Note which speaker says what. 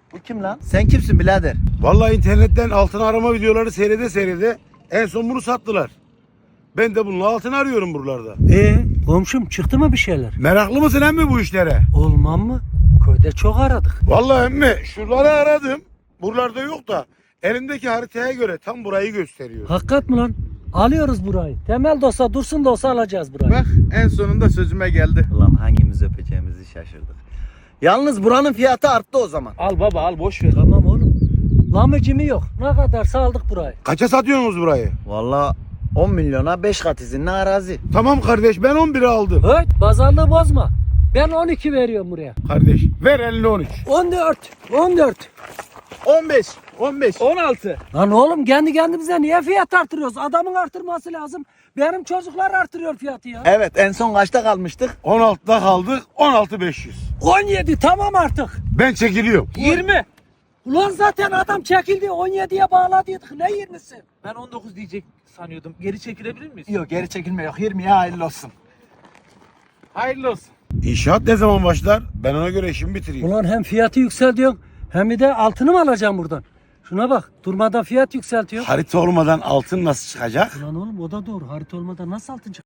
Speaker 1: Bu kim lan? Sen kimsin birader?
Speaker 2: Vallahi internetten altın arama videoları seyrede en son bunu sattılar. Ben de bununla altın arıyorum buralarda.
Speaker 3: Komşum çıktı mı bir şeyler?
Speaker 2: Meraklı mısın emmi bu işlere?
Speaker 3: Olmam mı? Köyde çok aradık.
Speaker 2: Vallahi emmi şuraları aradım. Buralarda yok da elimdeki haritaya göre tam burayı gösteriyor.
Speaker 3: Hakikat mi lan? Alıyoruz burayı. Temel de olsa dursun da olsa alacağız burayı.
Speaker 4: Bak en sonunda sözüme geldi.
Speaker 1: Ulan hangimiz öpeceğimizi şaşırdık. Yalnız buranın fiyatı arttı o zaman.
Speaker 4: Al baba al boş ver.
Speaker 3: Tamam oğlum. Lamıcımı yok. Ne kadarsa aldık burayı.
Speaker 2: Kaça satıyorsunuz burayı?
Speaker 1: Vallahi 10 milyona 5 kat izinli arazi.
Speaker 2: Tamam kardeş ben 11'e aldım.
Speaker 3: Höt pazarlığı bozma. Ben 12 veriyorum buraya.
Speaker 2: Kardeş ver eline 13.
Speaker 3: 14. 14.
Speaker 4: 15. 15. 16.
Speaker 3: Lan oğlum kendi kendimize niye fiyat artırıyoruz? Adamın artırması lazım. Benim çocuklar artırıyor fiyatı ya.
Speaker 1: Evet en son kaçta kalmıştık?
Speaker 2: 16'da kaldık 16.500.
Speaker 3: 17 tamam artık.
Speaker 2: Ben çekiliyorum.
Speaker 4: 20.
Speaker 3: Ulan zaten adam çekildi 17'ye bağladıydık. Ne 20'si?
Speaker 4: Ben 19 diyecek sanıyordum. Geri çekilebilir miyiz?
Speaker 1: Yok geri çekilme yok 20'ye hayırlı olsun.
Speaker 4: Hayırlı olsun.
Speaker 2: İnşaat ne zaman başlar? Ben ona göre işimi bitireyim.
Speaker 3: Ulan hem fiyatı yükseltiyorsun hem bir de altını mı alacağım buradan? Şuna bak durmadan fiyat yükseltiyor.
Speaker 2: Harita olmadan altın nasıl çıkacak?
Speaker 3: Ulan oğlum o da doğru. Harita olmadan nasıl altın çıkacak?